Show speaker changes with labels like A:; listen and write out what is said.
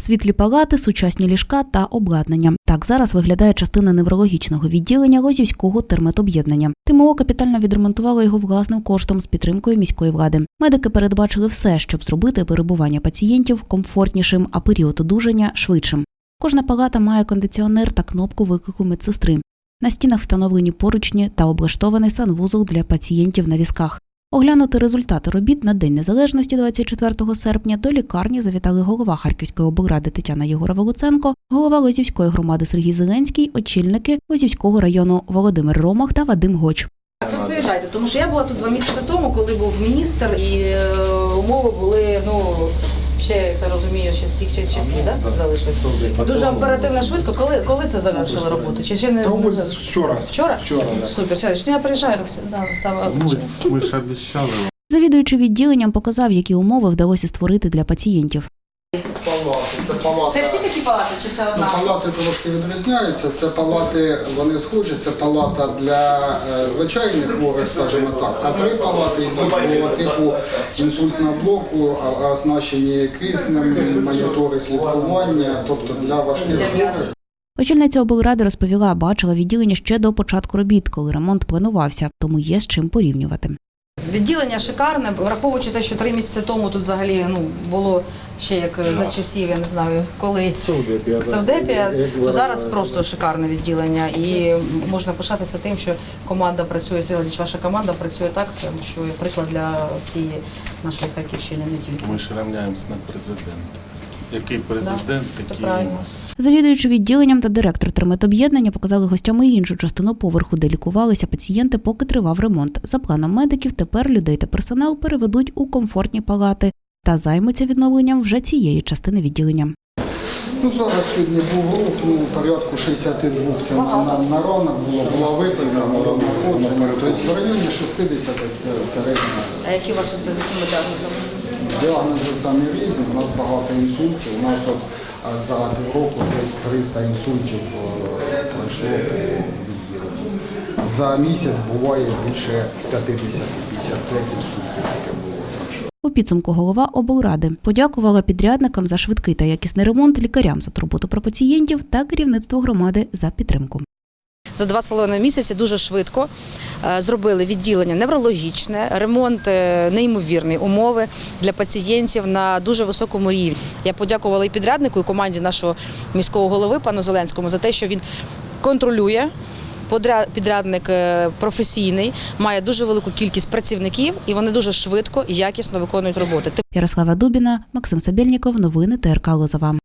A: Світлі палати, сучасні ліжка та обладнання. Так зараз виглядає частина неврологічного відділення Лозівського терметоб'єднання. ТМО капітально відремонтувало його власним коштом з підтримкою міської влади. Медики передбачили все, щоб зробити перебування пацієнтів комфортнішим, а період одужання – швидшим. Кожна палата має кондиціонер та кнопку виклику медсестри. На стінах встановлені поручні та облаштований санвузол для пацієнтів на візках. Оглянути результати робіт на День Незалежності 24 серпня до лікарні завітали голова Харківської облради Тетяна Єгорова-Луценко, голова Лозівської громади Сергій Зеленський, очільники Лозівського району Володимир Ромах та Вадим Гоч.
B: Розповідайте, тому що я була тут 2 місяці тому, коли був міністр, і умови були, ще, як я розумію, ще з тих часів, так? Залишилось. Дуже оперативно, швидко. Коли це завершили роботу? Чи ще не
C: вчора.
B: Вчора?
C: Вчора, да.
B: Супер. Сядеш. Я приїжджаю, саме.
D: Ми ж обіцяли.
A: Завідуючий відділенням показав, які умови вдалося створити для пацієнтів.
B: Це всі такі палати, чи це одна?
C: Палати трошки відрізняються. Це палати, вони схожі, це палата для звичайних хворих, скажімо так, а 3 палати із типу інсультного блоку, оснащені киснем, монітори слідкування, тобто для важких хворих.
A: Очільниця облради розповіла, бачила відділення ще до початку робіт, коли ремонт планувався, тому є з чим порівнювати.
B: Відділення шикарне, враховуючи те, що 3 місяці тому тут взагалі було ще як за часів, я не знаю, коли Савдепія, то зараз просто шикарне відділення. І можна пишатися тим, що команда працює, ваша команда працює так, що є приклад для цієї нашої Харківщини, не тільки.
D: Ми ж рівняємося на президента. Який президент, такий.
A: Завідуючий відділенням та директор терметоб'єднання показали гостям і іншу частину поверху, де лікувалися пацієнти, поки тривав ремонт. За планом медиків, тепер людей та персонал переведуть у комфортні палати та займуться відновленням вже цієї частини відділення.
C: Зараз сьогодні був рух, порядку 62 це на ранок була виставлена, тобто в районі 60 це середня.
B: А які у вас тут з якими діагнозами?
C: Діагнози самі різні, у нас багато інсультів, у нас за півроку десь 300 інсультів пройшло по відділенню. За місяць буває більше 50-55 інсультів, таке було.
A: У підсумку голова облради подякувала підрядникам за швидкий та якісний ремонт, лікарям за турботу про пацієнтів та керівництву громади за підтримку.
B: За 2,5 місяці дуже швидко зробили відділення неврологічне, ремонт неймовірний, умови для пацієнтів на дуже високому рівні. Я подякувала і підряднику, і команді нашого міського голови пану Зеленському за те, що він контролює. Підрядник професійний, має дуже велику кількість працівників і вони дуже швидко і якісно виконують роботи.
A: Ярослава Дубіна, Максим Сабєльніков, новини ТРК Лозова.